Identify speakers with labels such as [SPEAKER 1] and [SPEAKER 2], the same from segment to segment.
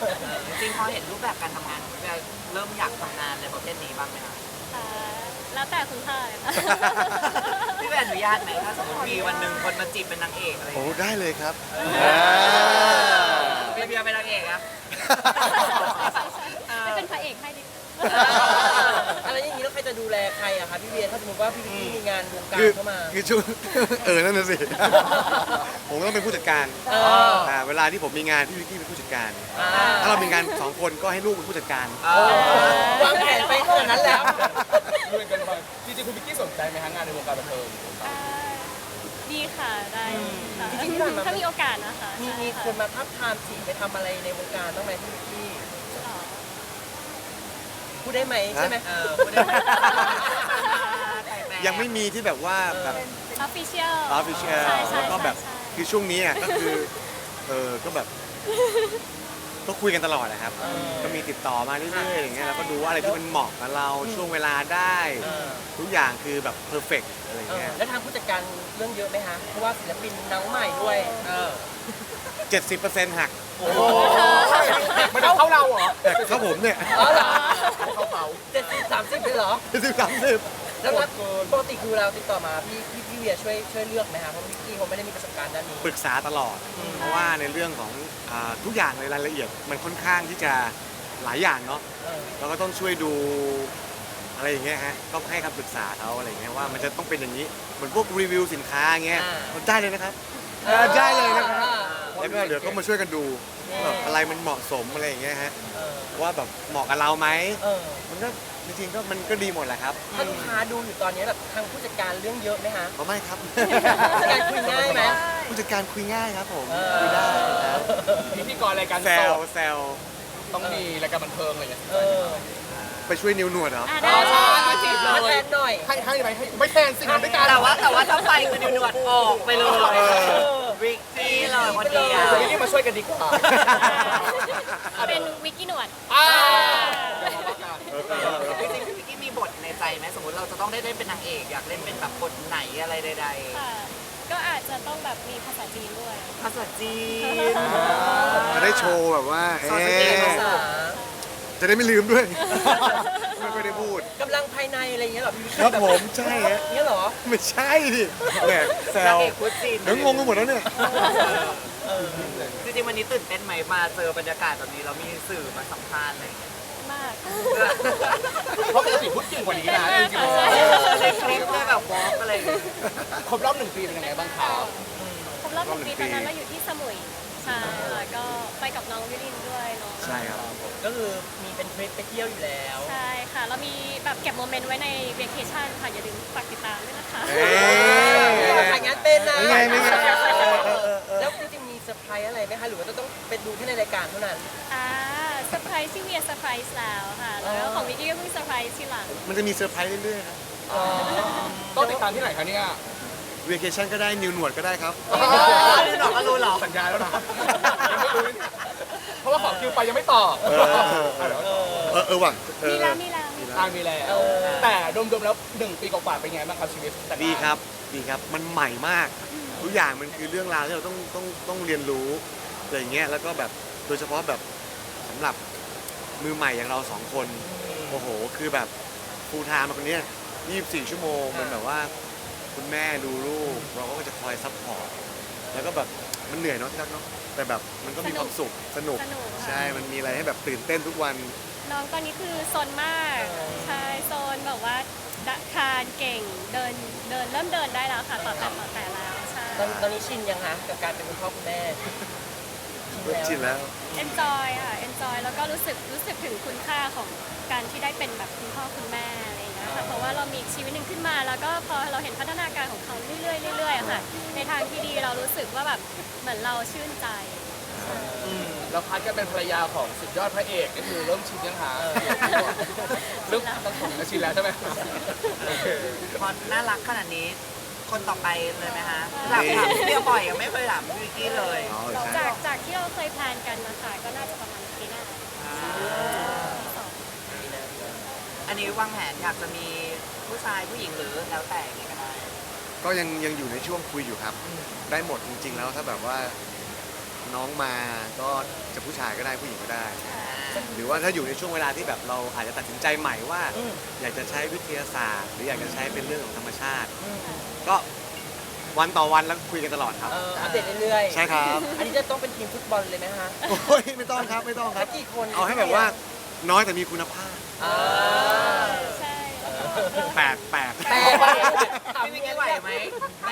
[SPEAKER 1] จริงพอเห็นรูปแบบการทำงานเริ่มอยากทำงานในประเภทนี้บ้างไหมคะ
[SPEAKER 2] แล้วแต่คุณพ่อ
[SPEAKER 1] พี่เป็นอนุญาตไหมถ้าสมมติมีวันหนึ่งคนมาจีบเป็นนางเอกอะไรอย่าง
[SPEAKER 3] โอ้
[SPEAKER 1] เงี้ย
[SPEAKER 3] ได้เลยครับ
[SPEAKER 1] พี่เบียร์เป็นนางเอกอะ
[SPEAKER 2] ไม่เป็นพระเอกให้ดิ
[SPEAKER 4] อะไรอย่างนี้แล้วใครจะดูแลใครอะคะพี่เวียถ้าสมมติว่าพี่วิกกี้มีงานวงการ
[SPEAKER 3] คือ
[SPEAKER 4] เข้ามา
[SPEAKER 3] คือช่วง นั่นน่ะสิ ผมต้องเป็นผู้จัดการ
[SPEAKER 4] เออ
[SPEAKER 3] เวลาที่ผมมีงานพี่วิกกี้เป็นผู้จัดการ
[SPEAKER 4] อ่า
[SPEAKER 3] ถ้าเรามีงาน2 คนก็ให้ลูกเป็นผู้จัดการ
[SPEAKER 4] โอ้วางแผนไปขนาดนั้นแล้ว
[SPEAKER 5] ดูกันไปจริงๆคุณวิกกี้สนใจไหมฮะงานในวงการบันเทิง
[SPEAKER 2] ดีค่ะได้ค่ะ
[SPEAKER 4] จริงๆที่ผ่านมา
[SPEAKER 2] ถ้ามีโอกาสนะคะ
[SPEAKER 4] มีคนมาทับทามจีบไปทำอะไรในวงการต้องไหมพี่วิกกี้
[SPEAKER 2] หรอ
[SPEAKER 4] พูดได้ไหมใช่ไหม
[SPEAKER 1] พูดได้ไหม
[SPEAKER 3] ยังไม่มีที่แบบว่าแบบ
[SPEAKER 2] ออฟฟิเชียล
[SPEAKER 3] ออฟฟิเชียล
[SPEAKER 2] ใช่ใช่
[SPEAKER 3] แล้วก็แบบ
[SPEAKER 2] ใช่
[SPEAKER 3] คือช่วงนี้ก็คือก็แบบก็คุยกันตลอดนะครับ ก็มีติดต่อมาเรื่อยๆอย่างเงี้ยแล้วก็ดูว่าอะไรที่มันเหมาะกับเราช่วงเวลาได้ ทุกอย่างคือแบบเพอร์เฟกต์อะไรเงี้ย
[SPEAKER 4] แล้วทางผู้จัดการเรื่องเยอะไหมคะเพราะว่าศิลปินน้องใหม่ด้วย
[SPEAKER 3] 70%หัก
[SPEAKER 4] โอ้โห
[SPEAKER 5] มันเข้าเราเหรอ
[SPEAKER 3] แต่เข้าผมเนี่ย
[SPEAKER 4] อ๋อเหรอ
[SPEAKER 5] เข้าเขา
[SPEAKER 4] 70-30เลยเหรอ
[SPEAKER 3] 70-30
[SPEAKER 4] แล้วปกติคือเราติดต่อมาพี่เวียช่วยเลือกไหมคะเพราะวิกกี้เขาไม่ได้มีประสบการณ์ด้านนี้
[SPEAKER 3] ปรึกษาตลอด เพราะว่าในเรื่องของทุกอย่างในรายละเอียดมันค่อนข้างที่จะหลายอย่างเนาะ
[SPEAKER 4] เออ
[SPEAKER 3] เราก็ต้องช่วยดูอะไรอย่างเงี้ยฮะก็ให้คำปรึกษาเขาอะไรเงี้ยว่ามันจะต้องเป็นอย่างนี้เหมือนพวกรีวิวสินค้าเงี้ยมันได้เลยนะครับได้เลยนะครับแล้วก็เดี๋ยวก็มาช่วยกันดูว่าแบบอะไรมันเหมาะสมอะไรอย่างเงี้ยฮะ
[SPEAKER 4] เออ
[SPEAKER 3] ว่าแบบเหมาะกับเราไหม
[SPEAKER 4] เออ
[SPEAKER 3] มันก็จริงๆก็มันก็ดีหมดแหละครับ
[SPEAKER 4] ถ้าลูกค้าดูอยู่ตอนนี้แบบทางผู้จัดการเรื่องเยอะไหมคะ
[SPEAKER 3] เขาไม่ครับ
[SPEAKER 4] ผู้จัดการคุยง่ายไหม
[SPEAKER 3] ผู้จัดการคุยง่ายครับผม
[SPEAKER 4] เออ
[SPEAKER 3] คุยได้ครับ
[SPEAKER 5] พิธีกรรายการ
[SPEAKER 3] แซ
[SPEAKER 5] ส
[SPEAKER 3] ว
[SPEAKER 5] ด
[SPEAKER 3] แซว
[SPEAKER 5] ต้องมีรายการบันเทิงอะไรอย่างเงี้ย
[SPEAKER 4] เออ
[SPEAKER 3] ไปช่วยนิ้วหนวดเหรอ
[SPEAKER 2] ได้
[SPEAKER 4] ใช่มาจีบเราแทนหน่อย
[SPEAKER 5] ให้ไหมให้ไม่แทนสิงานด้วยกัน
[SPEAKER 1] แต่ว่าถ้าไปคือนิวหนวดออกไปเลยวิกกี้เลยคนเดียว
[SPEAKER 5] วิกกี้มาช่วยกันดีกว่า
[SPEAKER 2] เป็นวิกกี้หนวด
[SPEAKER 1] จริงๆวิกกี้มีบทในใจไหมสมมติเราจะต้องได้เล่นเป็นนางเอกอยากเล่นเป็นแบบบทไหนอะไรใด
[SPEAKER 2] ค่ะ ก็อาจจะต้องแบบมีภาษาจีนด้วย
[SPEAKER 1] ๆภาษาจีน
[SPEAKER 3] จะได้โชว์แบบว่า
[SPEAKER 1] โชว์สกิล
[SPEAKER 4] ภาษา
[SPEAKER 3] จะได้ไม่ลืมด้วย ไม่ค่อยได้พูด
[SPEAKER 4] กำลังภายในอะไรอย่างเงี้ยเหรอพี่วิกกี้
[SPEAKER 3] ครับผมใช่ฮะ
[SPEAKER 4] เงี้ยเหรอ
[SPEAKER 3] ไม่ใช่ดิแหมแซ
[SPEAKER 1] นาง
[SPEAKER 3] ว
[SPEAKER 1] เอกพูดจีน
[SPEAKER 3] เดี๋ยวงงกันหมดแล้วเนี่ย
[SPEAKER 1] จริงๆวันนี้ตื่นเต้นไหมมาเจอบรรยากาศแบบนี้เรามีสื่อมาสัมภาษณ์อะไรอย่างเงี้ย
[SPEAKER 2] มาก
[SPEAKER 5] เพราะปกติพูดเก่งกว่านี้นะจริง
[SPEAKER 2] ใช่
[SPEAKER 1] ในคลิปด้วยแบบวอล์กอะไรอย่างเงี้ย
[SPEAKER 5] ๆครบรอบ1 ปีเป็นยังไงบ้างครับ
[SPEAKER 2] ครบรอบ1 ปีตอนนั้นเราอยู่ที่สมุย ใช่แล้วก็ไปกับน้องวิลินด้วยเนาะ
[SPEAKER 3] ใช่ครับ
[SPEAKER 4] ก็คือมีเป็นทริปไปเที่ยวอยู่แล้ว
[SPEAKER 2] ใช่ค่ะ เรามีแบบเก็บโมเมนต์ไว้ในเวเคชั่นค่ะ อย่าลืมฝากติดตามด้วยนะคะ
[SPEAKER 3] เอ้ย
[SPEAKER 4] ถ่ายงานเป็นนะ
[SPEAKER 3] ไม่ไงไม่ไง
[SPEAKER 4] แล้วจริงๆมีเซอร์ไพรส์อะไรไหมคะหรือว่าจะต้องเป็นดูแค่ในรายการเท่านั้น
[SPEAKER 2] เซอร์ไพรส์ที่เวียเซอร์ไพรส์แล้วค่ะ แล้วของวิกกี้ก็เพิ่งเซอร์ไพรส์ทีหลัง
[SPEAKER 3] มันจะมีเซอร์ไพรส์เรื่อยๆครับ
[SPEAKER 5] ต้องติดตามที่ไหนคะเนี่ย
[SPEAKER 3] เวเคชั่นก็ได้นิวหนวดก็ได้ครับ
[SPEAKER 1] รู้หรอก็รู้หรอ
[SPEAKER 5] สัญญาแล้วนะยังไม่รู้เนี่ยเพราะว่าขอคิวไปยังไม่ตอบ
[SPEAKER 3] ว่ะ
[SPEAKER 2] มีแล้วมีแล้ว
[SPEAKER 5] ทางมีแล้วแต่รวมๆแล้ว1 ปีกว่าๆเป็นไงบ้างครับชีวิตแต่ละ
[SPEAKER 3] ดีครับดีครับมันใหม่มาก ทุกอย่างมันคือเรื่องราวที่เราต้องเรียนรู้อะไรอย่างเงี้ยแล้วก็แบบโดยเฉพาะแบบสำหรับมือใหม่อย่างเรา2 คนโอ้โหคือแบบฟูลไทม์มาคนเนี้ย24 ชั่วโมงมันแบบว่าคุณแม่ดูลูกเราก็จะคอยซัพพอร์ตแล้วก็แบบมันเหนื่อยเนาะที่รักเนาะแต่แบบมันก็มีความสุขสนุก
[SPEAKER 2] สนุกค่ะ
[SPEAKER 3] ใช่มันมีอะไรให้แบบตื่นเต้นทุกวัน
[SPEAKER 2] น้องตอนนี้คือโซนมาก ใช่โซนแบบว่าคลานเก่งเดินเริ่มเดินได้แล้วค่ะ ต่อแต่แล้วใช่
[SPEAKER 4] ตอนนี้ชินยังคะกับการเป็นคุณพ่อคุณแม่
[SPEAKER 3] ชินแล้ว
[SPEAKER 2] enjoy ค่ะ enjoy แล้วก็รู้สึกถึงคุณค่าของการที่ได้เป็นแบบคุณพ่อคุณแม่อะไรอย่างเงี้ยค่ะเพราะว่าเรามีชีวิตหนึ่งขึ้นมาแล้วก็พอเราเห็นพัฒนาการของเขาเรื่อยๆเรื่อยๆอะค่ะในทางที่ดีเรารู้สึกว่าแบบเหมือนเราชื่นใจ
[SPEAKER 5] แล้วพัดก็เป็นภรรยาของสุดยอดพระเอกก็คือเริ่มชินยังหาเริ่มต้องผมก็ชินแล้วใช่ไหม
[SPEAKER 1] พอน่ารักขนาดนี้ คนต่อไปเลยไหมคะหลับถามเรียบ่อยยังไม่เคยถามวิกกี้เลย
[SPEAKER 3] อ๋อใช่
[SPEAKER 2] จากที่เราเคยแพลนกันนะคะก็น่าจะประมาณปีหน้าสอง
[SPEAKER 1] อันนี้วางแผนอยากจะมีผู้ชายผู้หญิงหรือแล้วแต่ยังไงก็ได้
[SPEAKER 3] ก็ยังอยู่ในช่วงคุยอยู่ครับ ได้หมดจริงๆแล้วถ้าแบบว่าน้องมาก็จะผู้ชายก็ได้ผู้หญิงก็ได้ หรือว่าถ้าอยู่ในช่วงเวลาที่แบบเราอาจจะตัดสินใจใหม่ว่า อยากจะใช้วิทยาศาสตร์ หรืออยากจะใช้เป็นเรื่องของธรรมชาติ ก็วันต่อวันแล้วคุยกันตลอดครับ
[SPEAKER 4] อัปเดตเรื่อยๆ
[SPEAKER 3] ใช่ครับ
[SPEAKER 4] อันนี้จะต้องเป็นทีมฟุตบอลเลยไหมฮะ
[SPEAKER 3] โอ้ยไม่ต้องครับไม่ต้องค
[SPEAKER 4] สั
[SPEAKER 3] รับ
[SPEAKER 4] กกี่คน
[SPEAKER 3] เอาให้แบบว่าน้อยแต่มีคุณภาพ
[SPEAKER 4] อ่า
[SPEAKER 2] ใช่
[SPEAKER 3] แปด
[SPEAKER 4] แต่
[SPEAKER 1] พี่วิกกี้ไหวไหมแม่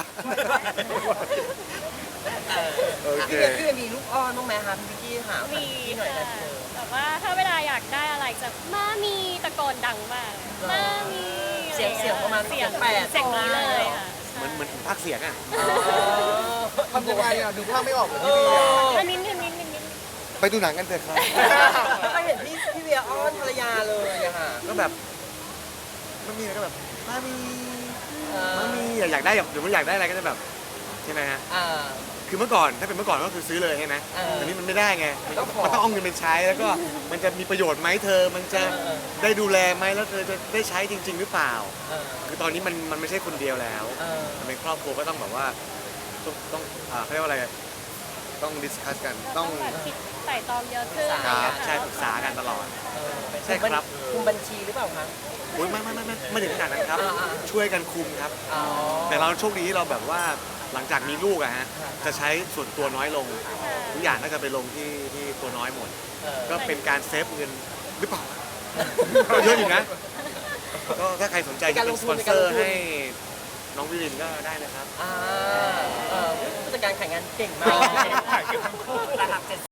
[SPEAKER 3] โอเค
[SPEAKER 4] พี่เวียมีลูกอ้อนบ้างไหมคะพี่วิกกี้หา
[SPEAKER 2] มี
[SPEAKER 4] พี่หน่อย
[SPEAKER 2] ค่ะ
[SPEAKER 4] นะ
[SPEAKER 2] แต่ว่าถ้าเวลาอยากได้อะไรจะมามีตะโกนดังมากมามี
[SPEAKER 4] เสียงประมาณ
[SPEAKER 2] เสียง
[SPEAKER 4] 8
[SPEAKER 2] เสียงนี้เลยค่ะ
[SPEAKER 3] เหมือนภาคเสียงอ่ะ
[SPEAKER 5] ทำยังไงอ่ะดูภาพไม่ออกเลย
[SPEAKER 4] เอ
[SPEAKER 5] พี่เวีย
[SPEAKER 4] อ
[SPEAKER 2] อันนิด
[SPEAKER 3] ไปดูหนังกันเถอะครับ
[SPEAKER 4] แล้วก็เห็นพี่เวียอ้อนภรรยาเลยอะค่ะ
[SPEAKER 3] ก็แบบมันมีอะไรก็แบบมามี
[SPEAKER 4] เออ
[SPEAKER 3] มามีอยากได้แบบหรือมันอยากได้อะไรก็จะแบบใช่ไหมฮะ
[SPEAKER 4] อ่า
[SPEAKER 3] คือเมื่อก่อนถ้าเป็นเมื่อก่อนก็คือซื้อเลยใช่ไหม แต่นี่มันไม่ได้ไงมัน
[SPEAKER 4] ต้องขอ
[SPEAKER 3] ต้องเอาเงินไปใช้แล้วก็มันจะมีประโยชน์ไหมเธอ มันจะได้ดูแลไหมแล้วเธอจะได้ใช้จริง ๆ หรือเปล่า
[SPEAKER 4] เออ
[SPEAKER 3] คือตอนนี้มันไม่ใช่คนเดียวแล้ว
[SPEAKER 4] เออ
[SPEAKER 3] มันเป็นครอบครัวก็ต้องแบบว่าต้องเขาเรียกว่าอะไรต้องดิสคัสกัน
[SPEAKER 2] ๆ
[SPEAKER 3] ต้อง
[SPEAKER 2] แบบคิดไต่ตองเยอะขึ้น
[SPEAKER 3] ครับใช่ปรึกษากันตลอด
[SPEAKER 4] เออ
[SPEAKER 3] ใช่ครับ
[SPEAKER 4] คุมบัญชีหรือเปล่าคะ
[SPEAKER 3] โอ้ยไม่ถึงขนาดนั้นครับ
[SPEAKER 4] อ่า
[SPEAKER 3] ช่วยกันคุมครับ
[SPEAKER 4] อ๋อ
[SPEAKER 3] แต่เราโชคดีที่เราแบบว่าหลังจากมีลูกอะฮะจะใช้ส่วนตัวน้อยลง ทุกอย่างก็จะไปลงที่ตัวน้อยหมด
[SPEAKER 4] เออ
[SPEAKER 3] ก็เป็นการเซฟเงินหรือเปล่าก็เยอะอยู่นะ ก็ถ้าใครสนใจจะเป็นสปอนเซอร์ให้น้องวิรินก็ได้นะครับ
[SPEAKER 4] อ่าผู้จัดการขายงานเก่งมาก
[SPEAKER 1] ระดับ